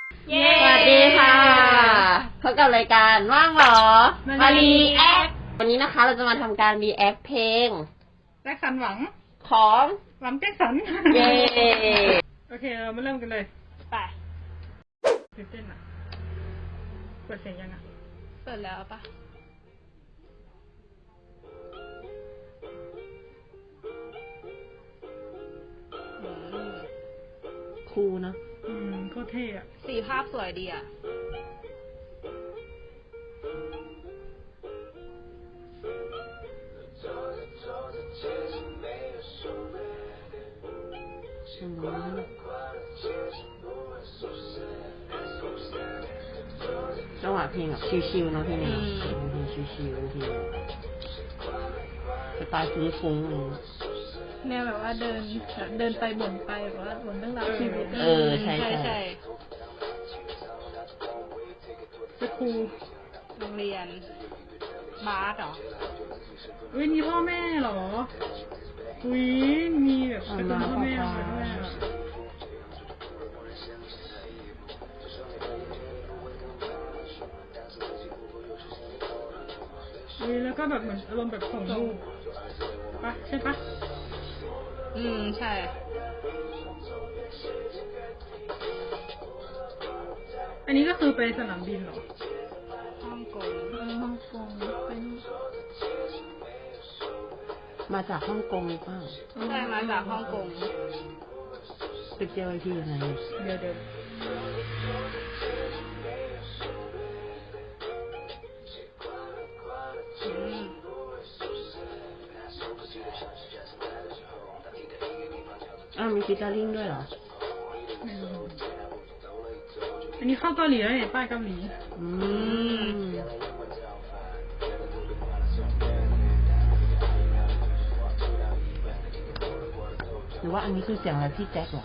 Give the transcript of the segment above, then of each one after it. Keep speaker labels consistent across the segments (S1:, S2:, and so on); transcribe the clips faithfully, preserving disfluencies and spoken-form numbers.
S1: เย้สวัสดีค่ะพบกับรายการว่างเหรอมารีแอควันนี้นะคะเราจะมาทำการรีแอคเพลง
S2: แจ็คสันหวัง
S1: ของ
S2: หวังแจ็คสัน
S1: เย้
S2: โอเคเรามาเริ่มกันเลยไปตื่นเต้นอ่ะเปิดเสียงยังอ่ะ
S3: เปิดแล้วปะ
S1: คูลนะ
S2: อืมโคตรเท่อะ
S3: สีภาพสวยดีอ่ะ
S1: จังหวะเพลงแบบชิวๆเนาะพี่เนี่ยเพลงชิวๆเพลงสไตล์ฟุ้งๆเลย
S2: แนวแบบว่าเดินเดินไปบ่นไปแบบว่าบ่นเรื่องราวชีวิต
S1: เออใช่
S3: ใช่
S2: จะครู
S3: โรงเรียนบาสเหรอ
S2: อุ้ยมีพ่อแม่เหรออุ้ยมีแบบเป็นพ่อแม่มาด้วยอุ้ยแล้วก็แบบเหมือนอารมณ์แบบส่งลูกปะใช่ปะ
S3: อืมใช่
S2: อันนี้ก็คือไปสนามบินเหรอ
S3: ฮ่องกง
S2: เออฮ่องกงไปนู่น
S1: มาจากฮ่องกงหรือเปล่า
S3: ใช่มาจากฮ่องกง
S1: ไปเจอที่ยังไง
S2: เดี๋ยวเดี๋ยว
S1: อ้าวมีฟิตเตอร์ลิงด้วยเหรอ
S2: อันนี้เข้าเกาหลีแล้วเนี่ยป้ายเกาหลี
S1: อืมหรือว่าอันนี้คือเสียงอะไรพี่แจ็คเหรอ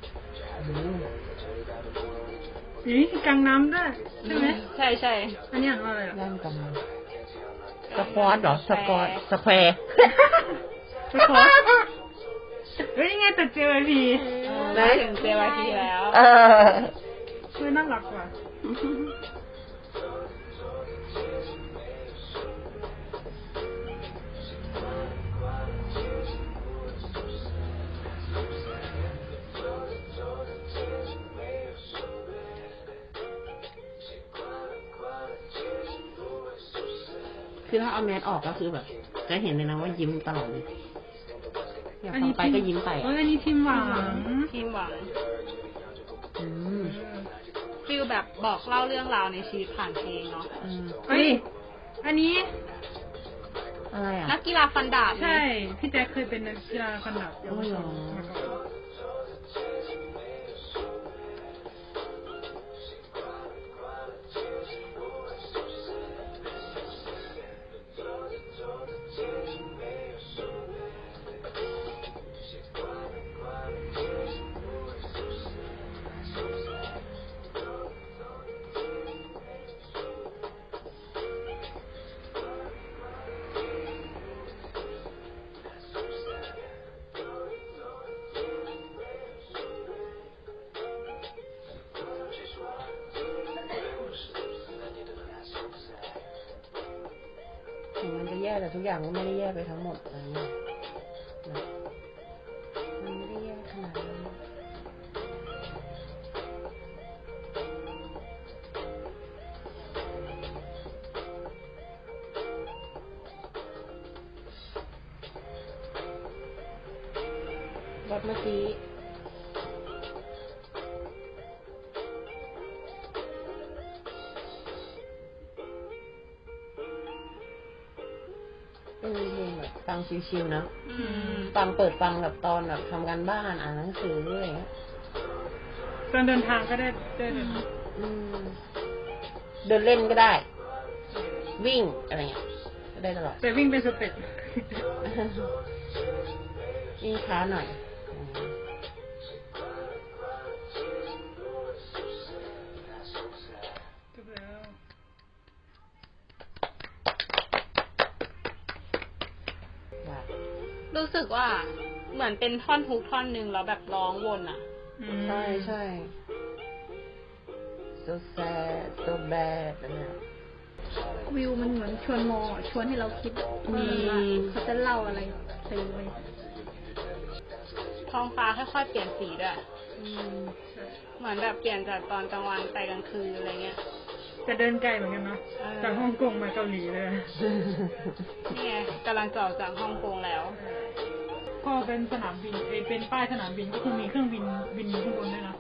S2: นี่คือกังน้ำด้วยใช่ไหม
S3: ใช่ใช่
S2: อันนี้อ่านว่าอะไรอ่ะ
S1: ย่านกังน้ำสควอตเหรอสควอตสแควร์
S2: สควอตเฮ้ยยังไงแต่เจอพี
S3: ได้ถึงเจวาทีแล้ว
S1: เออ
S2: ช่วยน่ารักกว่า
S1: คือถ้าเอาแมสออกก็คือแบบจะเห็นเลยนะว่ายิ้มตลอดเลยอยากฟังไปก็ยิ้มไปอ่ะ
S2: อันนี้ทีมหวัง
S3: ทีมหวัง
S1: อืม
S3: ฟิลแบบบอกเล่าเรื่องราวในชีวิตผ่านเพลงเนาะ
S2: เฮ้ยอันนี้
S1: อะไรอ่ะ
S3: นักกีฬาฟันดาบ
S2: ใช่พี่แจ็คเคยเป็นนักกีฬาฟันดาบ
S1: โอ้ยหรอมันจะแย่แต่ทุกอย่างก็ไม่ได้แย่ไปทั้งหมดอะไรเงี้ยมันไม่ได้แย่ขนาดนั้นรถเมื่อกี้เป็นเพลงแบบฟังชิวๆนะฟังเปิดฟังแบบตอนแบบทำการบ้านอ่านหนังสืออะไรเงี้ย
S2: ตอนเดินทางก็ได้เดิน
S1: เดินเล่นก็ได้วิ่งอะไรเงี้ยก็ได้ตลอด
S2: แต่วิ่งเป็นสเต็ป
S1: วิ่งช้าหน่อย
S3: รู้สึกว่าเหมือนเป็นท่อนฮุกท่อนหนึ่งแล้วแบบร้องวนอ่ะ
S1: ใช่ใช่ so sad so bad นั่นแหละ
S4: วิวมันเหมือนชวนมองอ่ะชวนให้เราคิดว่าเขาจะเล่าอะไรไปเลย
S3: ท้องฟ้าค่อยๆเปลี่ยนสีด้วยเหมือนแบบเปลี่ยนจากตอนกลางวันไปกลางคืนอะไรเงี้ย
S2: จะเดินไกลเหมือนกันเนาะ
S3: เออ
S2: จากฮ่องกงมาเกาหลีเลย
S3: นี่ไงกำลังจะออกจากฮ่องกงแล้ว
S2: พอเป็นสนามบินเอยเป็นป้ายสนามบินก็คือมีเครื่องบินบินอยู่ข้างบนด้วยนะ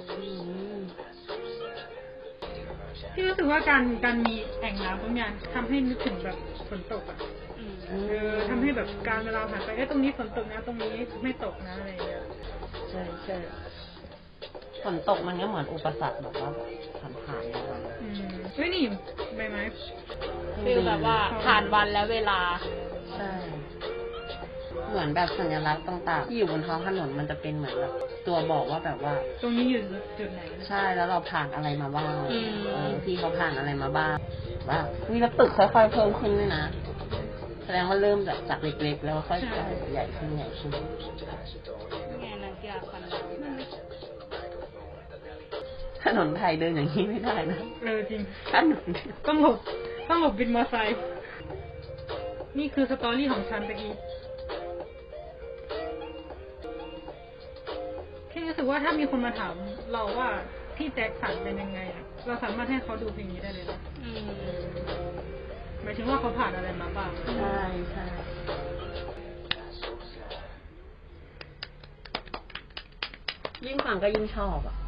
S2: ที่รู้สึกว่าการการมีแอ่งน้ำตรงเนี้ยทำให้นึกถึงแบบฝนตกอ่ะ
S3: อืม
S2: เออทำให้แบบการเวลาผ่านไปเอ้ยตรงนี้ฝนตกนะตรงนี้ไม่ตกนะอะไรอย่างเงี้ย
S1: ใช่ใช่ฝนตกมันก็เหมือนอุปสรรคแบบว่าผ่านผ่านๆมา
S2: อืมเฮ้ยนี่ใบไม้
S3: ฟีลแบบว่าผ่านวันและเวลา
S1: ใช่ เหมือนแบบสัญลักษณ์ต่างๆที่อยู่บนท้องถนนมันจะเป็นเหมือนแบบตัวบอกว่าแบบว่า
S2: ตรงนี้อยู่จุดไหน
S1: ใช่แล้วเราผ่านอะไรมาบ้าง
S3: อืม
S1: เออพี่เขาผ่านอะไรมาบ้างว่ามีแล้วตึกค่อยๆเพิ่มขึ้นด้วยนะแสดงว่าเริ่มจากจากเล็กๆแล้วค่อยๆใหญ่ขึ้นใหญ่ขึ้น
S3: นี่ไงนักกีฬาฟันดาบ
S1: ถนนไทยเดินอย่างนี้ไม่ได้นะ
S2: เออจริง
S1: ถนน
S2: ต้องหลบต้องหลบบินมอไซค์นี่คือสตอรี่ของฉันตะกี้แค่รู้สึกว่าถ้ามีคนมาถามเราว่าพี่แจ็คสันเป็นยังไงอะเราสามารถให้เขาดูเพลงนี้ได้เลยนะ
S3: อืม
S2: หมายถึงว่าเขาผ่านอะไรมาบ้าง
S1: ใช่ใช่ยิ่งฟังก็ยิ่งชอบอ่ะ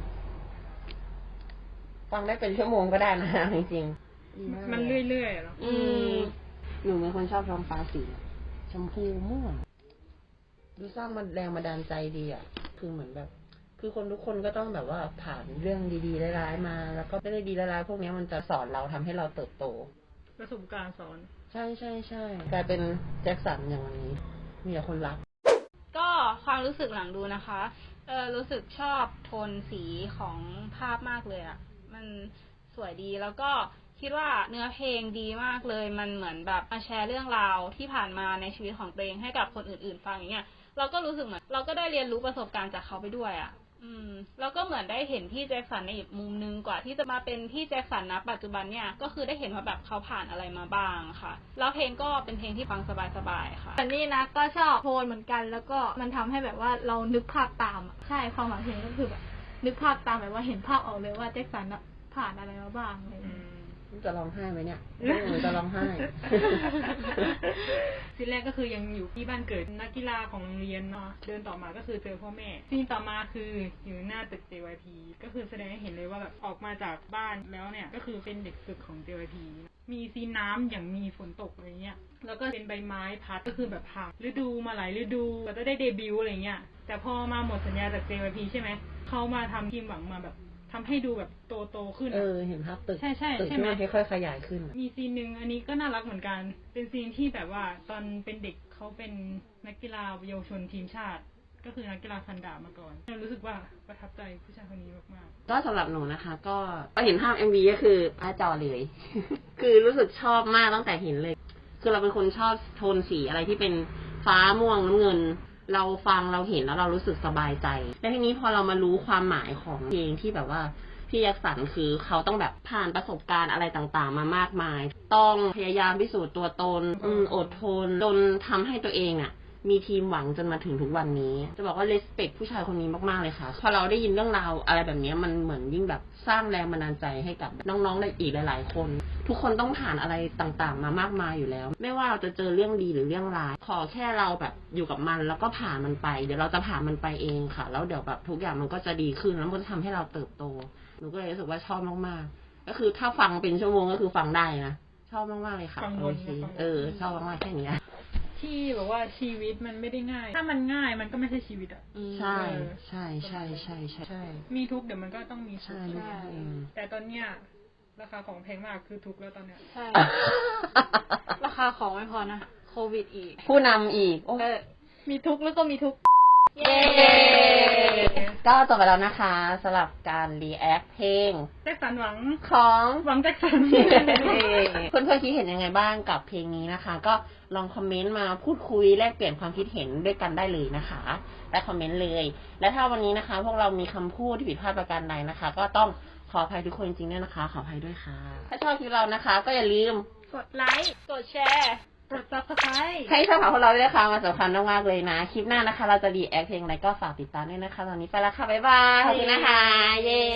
S1: ฟังได้เป็นชั่วโมงก็ได้นะจริงๆ
S2: มันเรื่อยๆอะเนาะ
S1: อืมหนูเป็นคนชอบท้องฟ้าสีชมพูม่วงดูสร้างมันแรงบันดาลใจดีอ่ะ คือเหมือนแบบ คือคนทุกคนก็ต้องแบบว่าผ่านเรื่องดีๆร้ายๆมา แล้วก็ไม่ได้ดีร้ายๆพวกนี้มันจะสอนเราทำให้เราเติบโต
S2: ประสบการณ์สอน
S1: ใช่ใช่ใช่กลายเป็นแจ็คสันอย่างวันนี้ มีแต่คนรัก
S3: ก็ความรู้สึกหลังดูนะคะ เออรู้สึกชอบโทนสีของภาพมากเลยอะ่ะ มันสวยดีแล้วก็คิดว่าเนื้อเพลงดีมากเลย มันเหมือนแบบมาแชร์เรื่องราวที่ผ่านมาในชีวิตของตัวเองให้กับคนอื่นๆฟังอย่างเงี้ย เราก็รู้สึกเหมือนเราก็ได้เรียนรู้ประสบการณ์จากเขาไปด้วยอะ่ะ อืมแล้วก็เหมือนได้เห็นพี่แจ็คสันในอีกมุมนึงกว่าที่จะมาเป็นพี่แจ็คสันนะปัจจุบันเนี่ยก็คือได้เห็นว่าแบบเขาผ่านอะไรมาบ้างค่ะ แล้วเพลงก็เป็นเพลงที่ฟังสบายๆค่ะ
S4: แต่นี่นะก็ชอบโทนเหมือนกันแล้วก็มันทำให้แบบว่าเรานึกภาพตามอะใช่ความหมายเพลงก็คือแบบนึกภาพตามแบบว่าเห็นภาพออกเลยว่าแจ็คสันอะผ่านอะไรมาบ้างอะไรอย่าง
S2: อื
S4: เงี้ย
S2: ม
S1: จะร้องไห้ไหมเนี่ยหนูจะร้องไห้
S2: ซีนแรกก็คือยังอยู่ที่บ้านเกิดนักกีฬาของโรงเรียนเนาะเดินต่อมาก็คือเจอพ่อแม่ซีนต่อมาคืออยู่หน้าตึก เจ วาย พี ก็คือแสดงให้เห็นเลยว่าแบบออกมาจากบ้านแล้วเนี่ยก็คือเป็นเด็กฝึกของ เจ วาย พี มีซีนน้ำอย่างมีฝนตกอะไรเงี้ยแล้วก็เป็นใบไม้พัดก็คือแบบผ่านฤดูมาหลายฤดูก็จะได้เดบิวต์อะไรเงี้ยแต่พอมาหมดสัญญาจาก เจ วาย พี ใช่ไหมเขามาทำทีมหวังมาแบบทำให้ดูแบบโตโตๆขึ้น
S1: เอ
S2: อะ
S1: อ เห็นภาพตึก
S2: ใช่ใช่
S1: ตึก
S2: ใช่
S1: ที่
S2: ไหม
S1: มันค่อยๆขยายขึ้น
S2: มีซีนหนึ่งอันนี้ก็น่ารักเหมือนกัน เป็นซีนที่แบบว่าตอนเป็นเด็กเขาเป็นนักกีฬาเยาวชนทีมชาติ ก็คือนักกีฬาฟันดาบมาก่อนเรารู้สึกว่าประทับใจผู้ชายคนนี้มาก
S1: ก็สำหรับหนูนะคะ ก็ก็เห็นภาพ เอ็ม วี ก็คือหน้าจอเลย คือรู้สึกชอบมากตั้งแต่เห็นเลย คือเราเป็นคนชอบโทนสีอะไรที่เป็นฟ้าม่วงน้ำเงิน เราฟังเราเห็นแล้วเรารู้สึกสบายใจ และทีนี้พอเรามารู้ความหมายของเพลงที่แบบว่าพี่ยักษ์สันคือเขาต้องแบบผ่านประสบการณ์อะไรต่างๆ มามากมาย ต้องพยายามพิสูจน์ตัวตนอืมอดทนจนทำให้ตัวเองอ่ะ มีทีมหวังจนมาถึงทุกวันนี้ จะบอกว่า respect ผู้ชายคนนี้มากๆเลยค่ะ พอเราได้ยินเรื่องราวอะไรแบบนี้มันเหมือนยิ่งแบบสร้างแรงบันดาลใจให้กับน้องๆในอีกหลายๆคน ทุกคนต้องผ่านอะไรต่างๆ มามากมายอยู่แล้ว ไม่ว่าเราจะเจอเรื่องดีหรือเรื่องร้าย ขอแค่เราแบบอยู่กับมันแล้วก็ผ่านมันไป เดี๋ยวเราจะผ่านมันไปเองค่ะ แล้วเดี๋ยวแบบทุกอย่างมันก็จะดีขึ้นแล้วมันจะทำให้เราเติบโต หนูก็เลยรู้สึกว่าชอบมากๆ ก็คือถ้าฟังเป็นชั่วโมงก็คือฟังได้นะ ชอบมากๆเลยค่ะโอเคเออ ชอบมากๆแค่นี้
S2: ๆ ที่แบบว่าชีวิตมันไม่ได้ง่าย ถ้ามันง่ายมันก็ไม่ใช่ชีวิตอ่ะ
S1: ใช่ใช่ใช่ใช่ใช่ใช่
S2: มีทุกข์เดี๋ยวมันก็ต้องมีสุข
S1: ใช่ใช่เอง
S2: แต่ตอนเนี้ยราคาของแพงมากคือทุกข์แล้วตอนเนี้ย
S3: ใช่ ราคาของไม่พอนะ โควิดอีก
S1: ผู้นำอีกโอ้
S4: เออมีทุกข์แล้วก็มีทุกข์
S3: เย้
S1: ก็จบไปแล้วนะคะสำหรับการรีแอคเพลง
S2: แจ็คสันหวัง
S1: ของ
S2: หวังแจ็คสัน
S1: เพื่อนๆคิดเห็นยังไงบ้างกับเพลงนี้นะคะ ก็ลองคอมเมนต์มาพูดคุยแลกเปลี่ยนความคิดเห็นด้วยกันได้เลยนะคะและคอมเมนต์เลย และถ้าวันนี้นะคะ พวกเรามีคำพูดที่ผิดพลาดประการใดนะคะ ก็ต้องขออภัยทุกคนจริงๆด้วยนะคะ ขออภัยด้วยค่ะ ถ้าชอบคลิปเรานะคะ ก็อย่าลืม
S4: กดไลค์
S3: กดแชร์
S4: กด ซับสไครบ์
S1: ให้ช่องของพวกเราด้วยนะคะมาสำคัญมากๆเลยนะ คลิปหน้านะคะ เราจะรีแอคเพลงอะไรก็ฝากติดตามด้วยนะคะ ตอนนี้ไปแล้วค่ะ บ๊ายบาย ขอบคุณนะคะ เย้